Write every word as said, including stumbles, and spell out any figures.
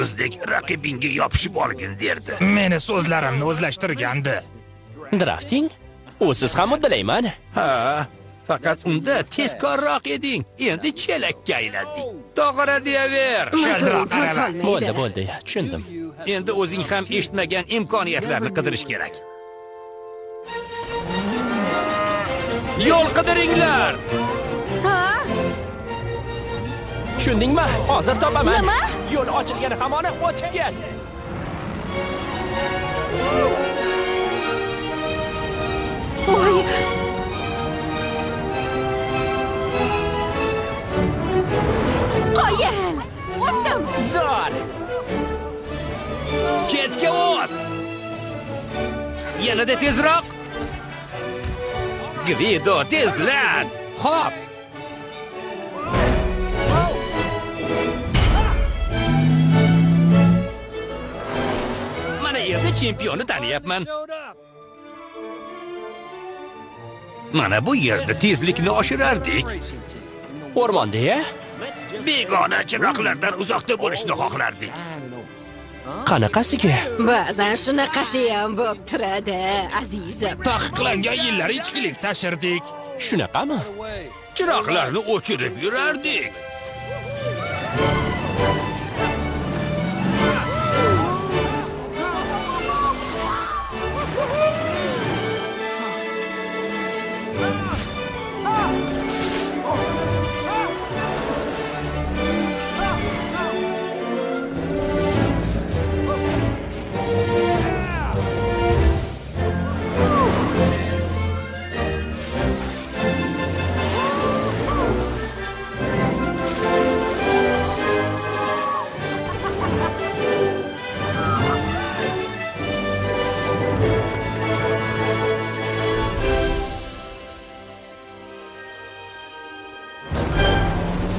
ho'kizdek raqibingga yopishib olgin derdi. Meni so'zlarimni o'zlashtirgandi. Drafting? U siz ham uddalayman. Ha, faqat unda tezkorroq eding. Endi chelakka aylanding. To'g'ri deyaver. Shardiroq qarama. Bo'ldi, bo'ldi, tushundim. Endi o'zing ham eshitmagan imkoniyatlarni qidirish kerak. Yo'l qidiringlar. Ha? Tushundingmi? Hozir topaman. Nima? Yo'l ochilgani hamon o'tib ket. Voy. Qoyil. O'tdim. Zo'r. Ketga o't. Yanada tezroq. Gvido, tezlan. Xo'p. Mana endi chempionni taniyapman. Mana bu yerda tezlikni oshirardik. O'rmonda-ya? Begona chiroqlardan uzoqda bo'lishni xohlardik. Qanaqasiga? Ba'zan shunaqasi ham bo'lib turadi, azizim. Taqiqlangan yillar ichkilik tashirdik. Shunaqami? Chiroqlarni o'chirib yurardik.